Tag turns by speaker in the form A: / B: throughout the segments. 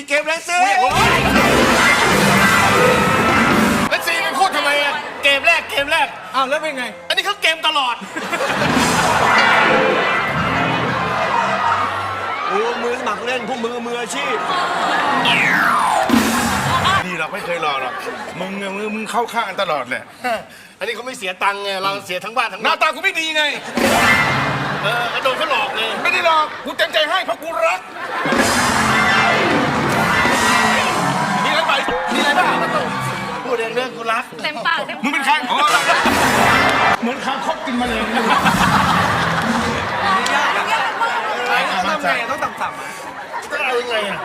A: เกมแล้วสิแล้วซีไม่พูดทำไมอะเกมแรก
B: อ้าวแล้วเป็นไง
A: อันนี้เขาเกมตลอด
C: มือสมัครเล่นพวกมืออาชีพ
A: นี่เราไม่เคยรอหรอกมึงเข้าข้างกันตลอดเลยอันนี้เขาไม่เสียตังค์ไงเราเสียทั้งบ้านทั้งหน้าตากูไม่ดีไงกระโดดเขาหลอกเลยไม่ได้หลอกกูเต็มใจให้เพราะกูรักมีอะไรบ้างพูดเรื่องกูรัก
D: เต็มปาก
A: มึงเป็นใครเหมือนคางคกกินมาเลย
B: ต้องต่ำๆ
A: ต้องเอายังไงอ่ะ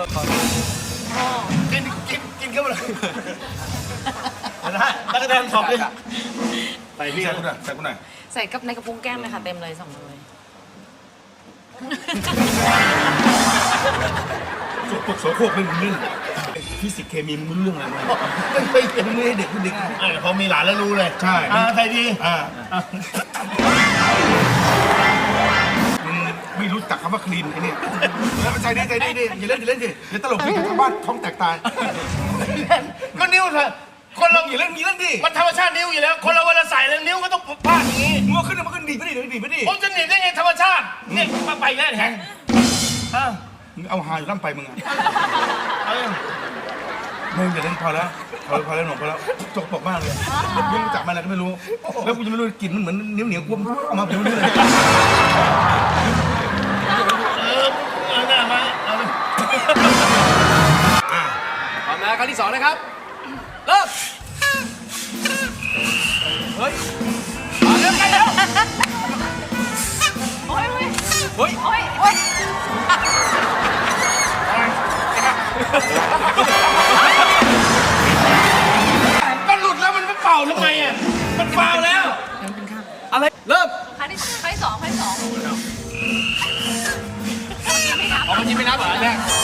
A: กินเข้ามาเลยนะตะกะแตนถอดเลยใส่พี่ใส่กูหน่อย
D: ใส่กับในกระพุ้งแก้มเลยค่ะเต็มเลย2 เลย
A: พวกโสโครกไม่รู้เรื่องฟิสิกส์เคมีมึงรู้เรื่องอะไรไหมไม่ให้เด็กพอมีหลานแล้วรู้เลยใช่ใส่ดีไม่รู้จักคำว่าคลีนไอ้นี่ใจดีอย่าเล่นดิอย่าตลกไปทั้งบ้านท้องแตกตายก็นิ้วเถอะคนเราอย่าเล่นดิมันธรรมชาตินิ้วอยู่แล้วคนเราเวลาใส่แล้วนิ้วก็ต้องพลาดอย่างนี้มือขึ้นมันขึ้นดีไม่ดีผมจะหนีได้ไงธรรมชาติเนี่ยมาไปแล้วแทงเอาหาอยู่ล่ำไปมึงอ่ะมึงอย่าเล่นพอแล้วหนุ่มพอแล้วจกปกมากเลยมึงจับมาอะไรก็ไม่รู้แล้วกูจะไม่รู้กลิ่นมันเหมือนเหนียวกูเอามาเดี๋ยวนี้เลยหน้ามาเอาเลย
B: พร้อมนะครั้งที่2นะครับเริ่มเฮ้ยเริ่มกันแล้ว
D: โอ้ย
A: มันหลุดแล้วมันไม่เป่าทำไมอ่ะมันฟาวแล้ว
B: อะไรเริ่ม
D: ครั้งที่2
B: อ๋อมันยิงไม่นับเหรอเนี่ย